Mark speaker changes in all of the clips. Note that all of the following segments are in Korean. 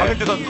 Speaker 1: 현재 선수.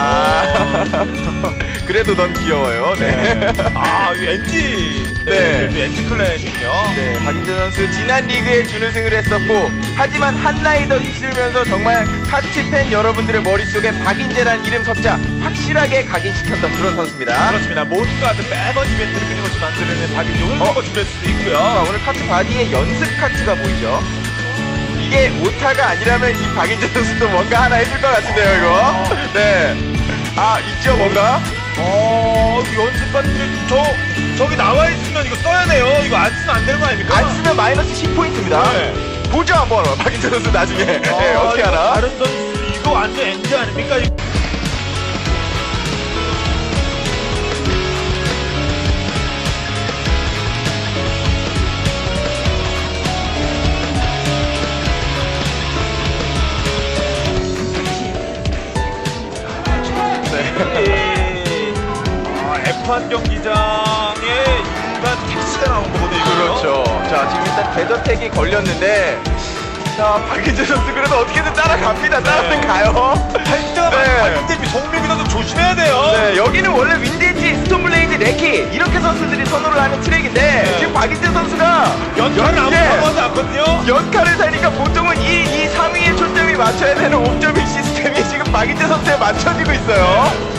Speaker 2: 그래도 넌 귀여워요. 네.
Speaker 1: 이 NG.
Speaker 2: 네.
Speaker 1: NG 클랜이군요.
Speaker 2: 네, 박인재 선수 지난 리그에 준우승을 했었고, 하지만 한나이 더 있으면서 정말 카치 팬 여러분들의 머릿속에 박인재란 이름 석자 확실하게 각인시켰던 그런 선수입니다.
Speaker 1: 그렇습니다. 뭔가 매번 이벤트를 끊임없이 만드는 박인재 오늘 준비할 수도 있고요.
Speaker 2: 자, 오늘 카트 바디에 연습 카트가 보이죠? 이게 오타가 아니라면 이 박인재 선수도 뭔가 하나 해줄 것 같은데요, 이거? 네. 있죠, 뭔가?
Speaker 1: 연습 같은 저기 나와 있으면 이거 써야 돼요. 이거 안 쓰면 안 되는 거 아닙니까?
Speaker 2: 안 쓰면 마이너스 10포인트입니다.
Speaker 1: 네.
Speaker 2: 보죠, 한번. 박인재 선수 나중에. 네, 어떻게
Speaker 1: 이거
Speaker 2: 하나?
Speaker 1: 다른 선수 이거 완전 NG 아닙니까? F1 경기장에 일반 택시가 나온 거거든요.
Speaker 2: 그렇죠. 자, 지금 일단 데더택이 걸렸는데, 자, 박인재 선수 그래도 어떻게든 따라갑니다. 따라는 가요.
Speaker 1: 할 때가 많은데 송민기 선수 조심해야 돼요.
Speaker 2: 네, 여기는 원래 윈디지, 스톰블레이드, 레키 이렇게 선수들이 선호를 하는 트랙인데 지금 박인재 선수가
Speaker 1: 연타를 아무도 않거든요.
Speaker 2: 연타를 사니까 보통은 2, 3위에 초점이 맞춰야 되는 옵저빙 시스템이 지금 박인재 선수에 맞춰지고 있어요.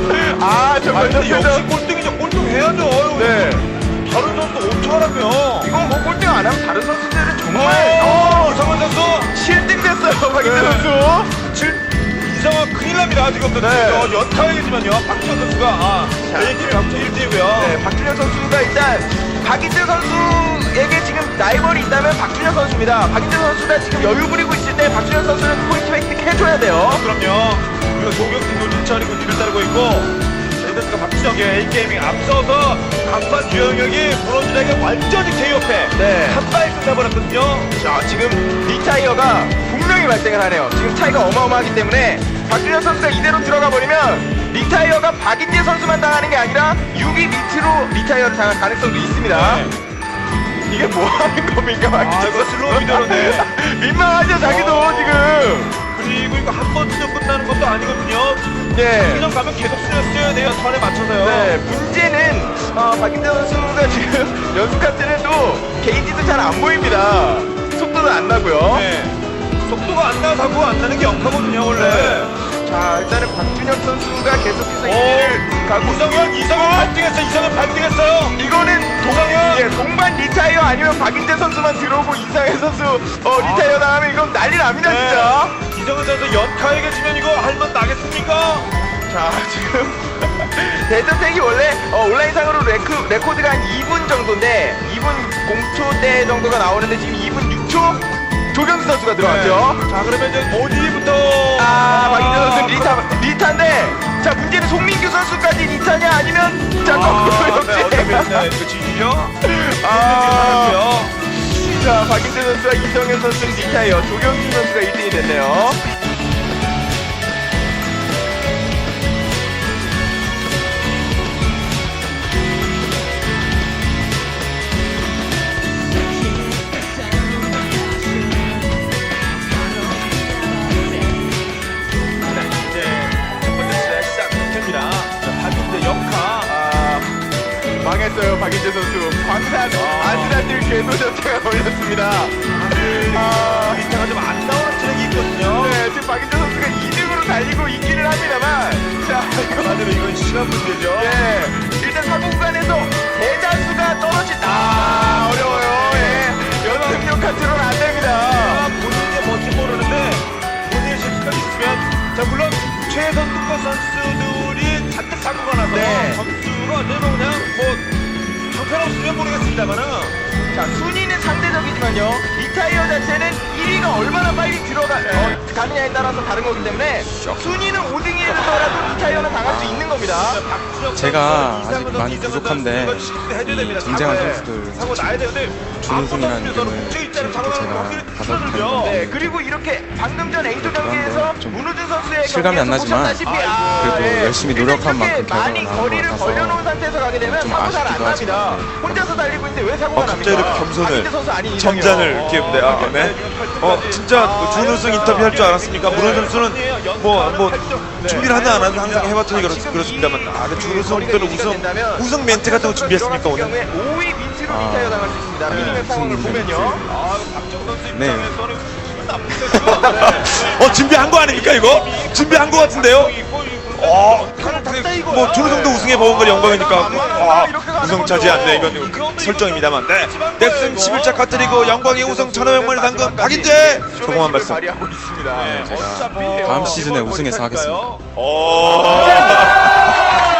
Speaker 2: 정말
Speaker 1: 근데 역시 꼴등이죠. 꼴등 해야죠.
Speaker 2: 네.
Speaker 1: 다른 선수 어떡하라며.
Speaker 2: 이건 뭐 꼴등 안 하면 다른 선수들은 정말
Speaker 1: 이성원 선수
Speaker 2: 7등 됐어요. 박인재
Speaker 1: 네.
Speaker 2: 선수.
Speaker 1: 이성원 큰일 납니다. 지금도
Speaker 2: 네.
Speaker 1: 연타이지만요. 박준현 선수가 A팀이 합쳐 1등이고요.
Speaker 2: 네, 박준현 선수가 일단 박인재 선수에게 지금 라이벌이 있다면 박준현 선수입니다. 박인재 선수가 지금 여유 부리고 있을 때 박준현 선수는 포인트 획득 해줘야 돼요.
Speaker 1: 그럼요. 그리고 조경진도 진천이고 뒤를 따르고 있고 저희들과 박준혁의 A게이밍 앞서서 간판 주영혁이 브론즈에게 완전히 KO패
Speaker 2: 네.
Speaker 1: 한 발에 끝나버렸거든요.
Speaker 2: 자, 지금 리타이어가 분명히 발생을 하네요. 지금 차이가 어마어마하기 때문에 박준현 선수가 이대로 들어가 버리면 리타이어가 박인재 선수만 당하는 게 아니라 6위 밑으로 리타이어를 당할 가능성도 있습니다.
Speaker 1: 네.
Speaker 2: 이게 뭐 하는 겁니까, 박인재
Speaker 1: 이거 슬로우 미더로네.
Speaker 2: 민망하죠, 자기도 지금.
Speaker 1: 그리고 이거 한 번 쓰면 끝나는 것도 아니거든요.
Speaker 2: 네.
Speaker 1: 그냥 가면 계속 쓰여야 돼요. 턴에 맞춰서요.
Speaker 2: 네, 문제는 박인재 선수가 지금 연습 카트는 또 게이지도 잘 안 보입니다. 속도도 안 나고요.
Speaker 1: 네. 속도가 안 나고 안 나는 게 역하거든요, 원래.
Speaker 2: 자, 일단은 박준혁 선수가 계속해서 1위를 가고
Speaker 1: 이성현 발등했어요. 이성현 발등했어요.
Speaker 2: 이거는
Speaker 1: 도상현.
Speaker 2: 예, 동반 리타이어 아니면 박인재 선수만 들어오고 이상현 선수 리타이어 나가면 이건 난리 납니다,
Speaker 1: 네.
Speaker 2: 진짜.
Speaker 1: 이성현 선수 연타에게 지면 이거 할만 나겠습니까?
Speaker 2: 자, 지금 데드팩이 원래 온라인상으로 레코드가 한 2분 정도인데 2분 0초대 정도가 나오는데 지금 2분 6초 조경수 선수가 들어왔죠.
Speaker 1: 네. 자, 그러면 이제 어디부터?
Speaker 2: 박인재 선수 리타인데, 자, 문제는 송민규 선수까지 리타냐 아니면 자,
Speaker 1: 네, 이거 지지죠?
Speaker 2: 자, 박인재 선수와 이성현 선수는 리타예요. 조경수 선수가 1등이 됐네요. 망했어요, 박인재 선수. 광산 아슬아슬 궤도 자체가 걸렸습니다.
Speaker 1: 리타가 좀 안 나오는 트랙이 있거든요.
Speaker 2: 네, 지금 박인재 선수가 2등으로 달리고 있기는 합니다만, 자,
Speaker 1: 한마디로 이건 시간 문제죠.
Speaker 2: 네, 일단 사고 구간에서 대다수가 떨어진다. 어려워요. 예. 연승용 카트로는 안 됩니다.
Speaker 1: 본인이 뭔지 모르는데 본인의 실수가 있으면, 자, 물론 최선두권 선수들이 잔뜩 사고가 나서
Speaker 2: 네.
Speaker 1: 점수가 어쩌면 그냥 형편없으면 모르겠습니다.만은
Speaker 2: 자, 순위는 상대적이지만요, 리타이어 자체는 1위가 얼마나 빨리 가느냐에 따라서 다른 거기 때문에 순위는 5등이라도 리타이어는 당할 수 있는 겁니다.
Speaker 3: 제가 아직 많이 부족한데 쟁쟁한 선수들
Speaker 1: 사고 나야 되는데
Speaker 3: 준우승이라는 이름을 제가 받아들였는데
Speaker 2: 네, 그리고 이렇게 방금 전 A조 경기에서
Speaker 3: 좀
Speaker 2: 문우준 선수의
Speaker 3: 실감이 안
Speaker 2: 경기에서
Speaker 3: 나지만
Speaker 2: 보셨다시피,
Speaker 3: 그래도 열심히 노력한
Speaker 2: 일단
Speaker 3: 만큼
Speaker 2: 이렇게 많이
Speaker 3: 결과가 나온
Speaker 2: 거리를
Speaker 3: 것 같아서
Speaker 2: 벌려놓은 상태에서 가게 되면
Speaker 3: 좀
Speaker 2: 사고 잘 안
Speaker 3: 아쉽기도
Speaker 2: 납니다.
Speaker 3: 하지만
Speaker 2: 혼자서 달리고 있는데 왜 사고가 납니까?
Speaker 1: 갑자기 이렇게 겸손을,
Speaker 2: 박인재 선수 아닌
Speaker 1: 점잔을
Speaker 2: 이상이요.
Speaker 1: 이렇게 네. 진짜 준우승 인터뷰 할 줄 알았습니까? 문호 선수는 뭐 준비를 하나 안 하나 항상 해봤더니 그렇습니다만 근데 준우승 때는 우승 멘트 같은 거 준비했습니까 오늘?
Speaker 2: 5위 밑으로 리타이어 당할 수 있습니다. 미니맵 상황을 보면요.
Speaker 1: 박정우 선수
Speaker 3: 네.
Speaker 1: 준비한 거 아닙니까 이거? 준비한 거 같은데요? 뭐 준우승도 우승해 먹은 건 영광이니까 우승 차지한데 이건 설정입니다만 네. 넥슨 11차 카트리그 영광의 우승 1,500만원 상금 박인재 조금만 말씀.
Speaker 2: 발휘하고 있습니다.
Speaker 3: 제가 다음 시즌에 우승해서 하겠습니다.